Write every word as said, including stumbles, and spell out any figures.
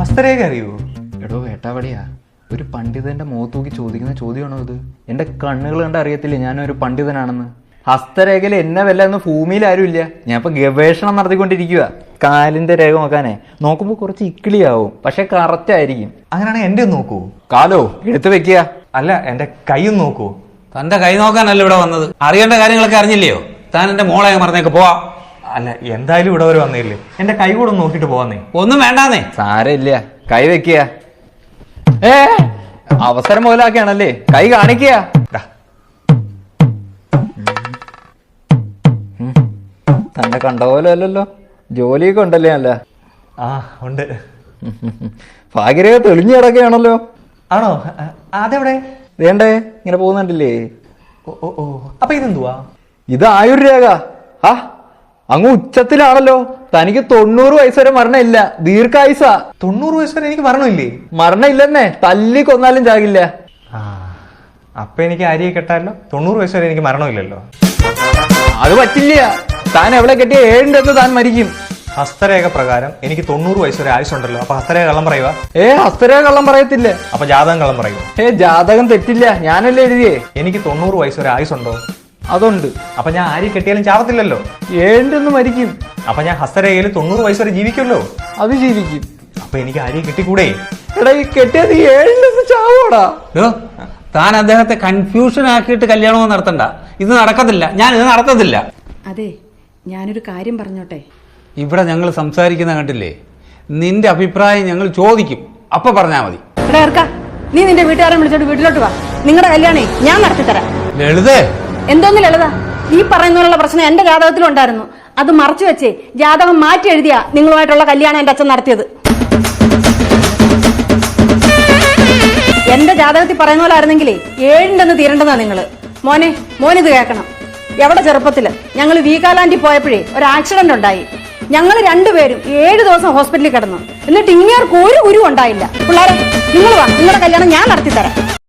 ഹസ്തരേഖ അറിയോ? എടോ വേട്ടാവളിയാ, ഒരു പണ്ഡിതന്റെ മുഖത്ത് നോക്കി ചോദിക്കുന്ന ചോദ്യമാണോ ഇത്? എന്റെ കണ്ണുകൾ കണ്ട് അറിയത്തില്ലേ ഞാനൊരു പണ്ഡിതനാണെന്ന്? ഹസ്തരേഖയിൽ എന്നെ വല്ല എന്ന് ഭൂമിയിൽ ആരും ഇല്ല. ഞാൻ ഇപ്പൊ ഗവേഷണം നടത്തിക്കൊണ്ടിരിക്കുക. കാലിന്റെ രേഖ നോക്കാനേ നോക്കുമ്പോ കുറച്ച് ഇക്കിളിയാവും, പക്ഷെ കറക്റ്റ് ആയിരിക്കും. അങ്ങനെയാണെങ്കിൽ എന്റെ ഒന്ന് നോക്കൂ. കാലോ എടുത്തു വെക്കുക. അല്ല, എന്റെ കൈയും നോക്കൂ. തന്റെ കൈ നോക്കാനല്ല ഇവിടെ വന്നത്. അറിയേണ്ട കാര്യങ്ങളൊക്കെ അറിഞ്ഞില്ലയോ? താൻ എന്റെ മോളെ മറന്നേക്ക് പോവാ. അല്ല, എന്തായാലും ഇവിടെ വരെ വന്നില്ലേ, എന്റെ കൈ കൂടെ ഒന്ന് നോക്കിട്ട് പോവാന്നേ. ഒന്നും വേണ്ടാന്നേ. സാരമില്ല, കൈ വെക്കുക. ഏ അവസരം മുതലാക്കിയാണല്ലേ, കൈ കാണിക്കുക. തന്നെ കണ്ട പോലെ അല്ലല്ലോ, ജോലിയൊക്കെ ഉണ്ടല്ലേ? അല്ല ആ ഉണ്ട്. ഭാഗ്യരേഖ തെളിഞ്ഞു കിടക്കുകയാണല്ലോ. ആണോ? അതെവിടെ? വേണ്ടേ ഇങ്ങനെ പോകുന്നുണ്ടല്ലേ? ഓ ഓ ഓ അപ്പൊ ഇതെന്തുവാ? ഇത് ആയുർരേഖ. ആ അങ്ങ് ഉച്ചത്തിലാണല്ലോ. തനിക്ക് തൊണ്ണൂറ് വയസ്സ് വരെ മരണമില്ല, ദീർഘായുസ. തൊണ്ണൂറ് വയസ്സ് വരെ എനിക്ക് മരണമില്ലേ? മരണം ഇല്ലെന്നേ, തല്ലി കൊന്നാലും ചാകില്ല. ആ അപ്പൊ എനിക്ക് ആര്യെ കെട്ടാലോ? തൊണ്ണൂറ് വയസ്സ് വരെ എനിക്ക് മരണമില്ലല്ലോ. അത് പറ്റില്ല. താൻ എവിടെ കെട്ടിയ ഏഴിന്റെ അന്ന് താൻ മരിക്കും. ഹസ്തരേഖ പ്രകാരം എനിക്ക് തൊണ്ണൂറ് വയസ്സ് വരെ ആയുസുണ്ടല്ലോ. അപ്പൊ ഹസ്തരേഖ കള്ളം പറയുക? ഏ ഹസ്തരേഖ കള്ളം പറയത്തില്ല. അപ്പൊ ജാതകം കള്ളം പറയുക? ഏ ജാതകം തെറ്റില്ല, ഞാനല്ലേ എഴുതിയേ. എനിക്ക് തൊണ്ണൂറ് വയസ്സ് വരെ ആയുസുണ്ടോ? അതുണ്ട്. അപ്പൊ ഞാൻ ആര്യെ കെട്ടിയാലും ചാവത്തില്ലല്ലോ. ഏഴിന്റെ അന്ന് മരിക്കും. അപ്പൊ ഞാൻ ഹസ്തരേഖയിൽ തൊണ്ണൂറ് വയസ്സ് വരെ ജീവിക്കുമല്ലോ. അത് ജീവിക്കും. അപ്പൊ എനിക്ക് ആര്യെ കെട്ടിക്കൂടെ? എടാ ഈ കെട്ടിയത് ഏഴിന്റെ അന്ന് ചാവോടാ. താൻ അദ്ദേഹത്തെ കൺഫ്യൂഷൻ ആക്കിയിട്ട് കല്യാണമൊന്നും നടത്തണ്ട. ഇത് നടക്കത്തില്ല, ഞാൻ ഇത് നടത്തത്തില്ല. അതെ, ഞാനൊരു കാര്യം പറഞ്ഞോട്ടെ. ഇവിടെ ഞങ്ങൾ സംസാരിക്കുന്ന കണ്ടില്ലേ, നിന്റെ അഭിപ്രായം ഞങ്ങൾ ചോദിക്കും, അപ്പൊ പറഞ്ഞാ മതി. എടാ ഇറക്ക, നീ നിന്റെ വീട്ടുകാരെ വിളിച്ചോട്ട് വീട്ടിലോട്ട് വാ. നിങ്ങളുടെ കല്യാണേ ഞാൻ നടത്തിത്തരാം. ലളിതേ, എന്തോന്ന് ലളിത? ഈ പറയുന്നതിനുള്ള പ്രശ്നം എന്റെ ജാതകത്തിലും ഉണ്ടായിരുന്നു. അത് മറച്ചു വെച്ചേ ജാതകം മാറ്റി എഴുതിയാ നിങ്ങളുമായിട്ടുള്ള കല്യാണം എന്റെ അച്ഛൻ നടത്തിയത്. എന്റെ ജാതകത്തിൽ പറയുന്ന പോലെ ആയിരുന്നെങ്കിലേ ഏഴിൻ്റെ തീരേണ്ടതാ നിങ്ങള്. മോനെ മോനിത് കേൾക്കണം. എവിടെ ചെറുപ്പത്തില് ഞങ്ങൾ വീഗാലാൻഡിൽ പോയപ്പോഴേ ഒരു ആക്സിഡന്റ് ഉണ്ടായി. ഞങ്ങൾ രണ്ടുപേരും ഏഴു ദിവസം ഹോസ്പിറ്റലിൽ കിടന്നു. എന്നിട്ട് ഇങ്ങേർക്ക് ഒരു ഗുരു ഉണ്ടായില്ല. പിള്ളേരെ നിങ്ങൾ വാ, നിങ്ങളുടെ കല്യാണം ഞാൻ നടത്തിത്തരാം.